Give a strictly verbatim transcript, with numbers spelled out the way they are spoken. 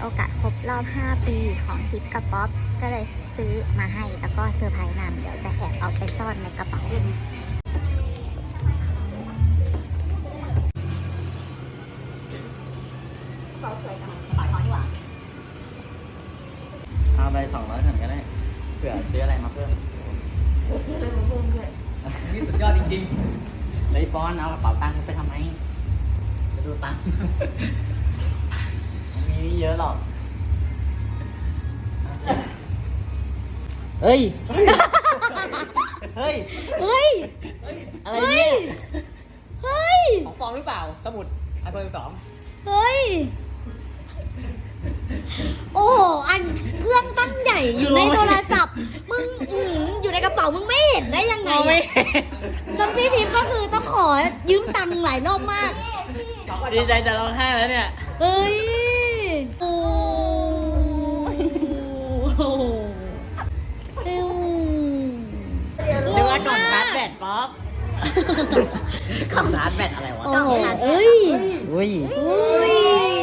โอกาสครบรอบห้าปีของคลิปกับป๊อปก็เลยซื้อมาให้แล้วก็เซอร์ไพรส์นำเดี๋ยวจะแอบเอาไปซ่อนในกระเป๋าเอาไปสองร้อยถังก็ได้เผื่อซื้ออะไรมาเพิ่มนี่สุดยอดจริงๆเลยปอนเอากระเป๋าตังค์ไปทำไมไปดูตังค์มีไม่เยอะหรอกเฮ้ยเฮ้ยเฮ้ยอะไรเนี่ยเฮ้ยของปลอมหรือเปล่าสมุดไอโฟนสองเฮ้ย โอ้โห อันเครื่องตั้งใหญ่อยู่ในโทรศัพท์ มึงอื้อหืออยู่ในกระเป๋ามึงไม่เห็นได้ยังไงไม่จนพี่พิมพ์ก็คือต้องขอยืมตังค์หลายรอบมากดีใจจะร้องไห้แล้วเนี่ยเฮ้ย โอ้โหเอ้วนึกว่ากล่องชาร์จแบตป๊อปกล่องชาร์จแบตอะไรวะโอ้โหเอ้ยอุ้ยอุ้ย